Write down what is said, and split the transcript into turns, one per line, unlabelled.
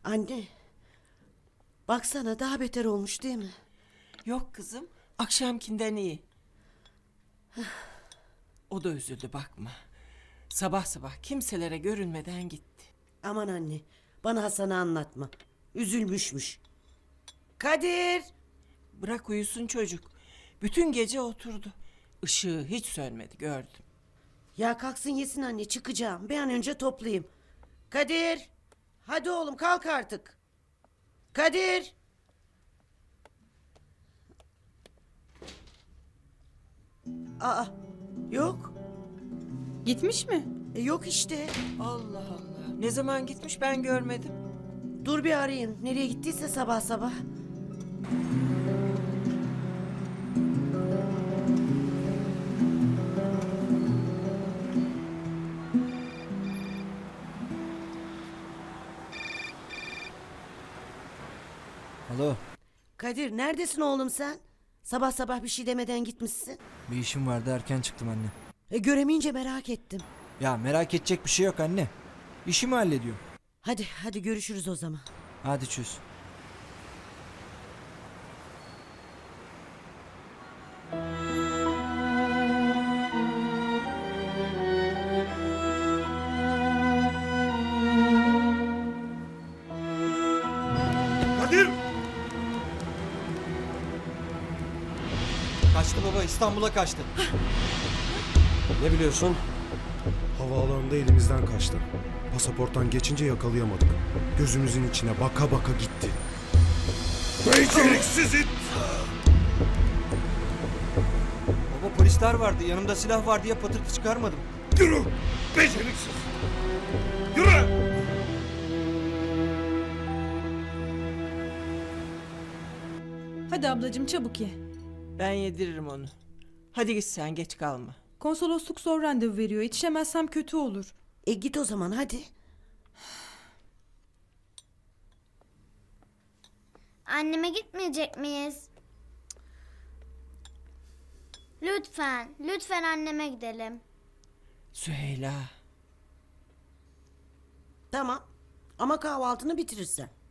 Anne, baksana daha beter olmuş değil mi?
Yok kızım, akşamkinden iyi. O da üzüldü bakma. Sabah sabah kimselere görünmeden gitti.
Aman anne, bana Hasan'ı anlatma. Üzülmüşmüş. Kadir!
Bırak uyusun çocuk. Bütün gece oturdu. Işığı hiç sönmedi, gördüm.
Ya kalksın yesin anne, çıkacağım. Bir an önce toplayayım. Kadir! Hadi oğlum kalk artık. Kadir! Aa, yok.
Gitmiş mi?
Yok işte.
Allah Allah. Ne zaman gitmiş ben görmedim.
Dur bir arayayım. Nereye gittiyse sabah sabah.
Alo,
Kadir neredesin oğlum sen? Sabah sabah bir şey demeden gitmişsin.
bir işim vardı erken çıktım anne.
Göremeyince merak ettim.
Ya merak edecek bir şey yok anne. İşimi hallediyorum.
Hadi görüşürüz o zaman.
Hadi çöz.
Kadir!
Kaçtı baba, İstanbul'a kaçtı.
Ne biliyorsun?
Havaalanında elimizden kaçtı. Pasaporttan geçince yakalayamadık. Gözümüzün içine baka baka gitti.
Beceriksiz it!
Baba polisler vardı, yanımda silah var diye patırtı çıkarmadım.
Yürü! Beceriksiz! Yürü!
Hadi ablacığım çabuk ye.
Ben yediririm onu. Hadi git sen, geç kalma.
Konsolosluk zor randevu veriyor. Yetişemezsem kötü olur.
Git o zaman hadi.
Anneme gitmeyecek miyiz? Lütfen anneme gidelim.
Süheyla.
Tamam. Ama kahvaltını bitirirsen.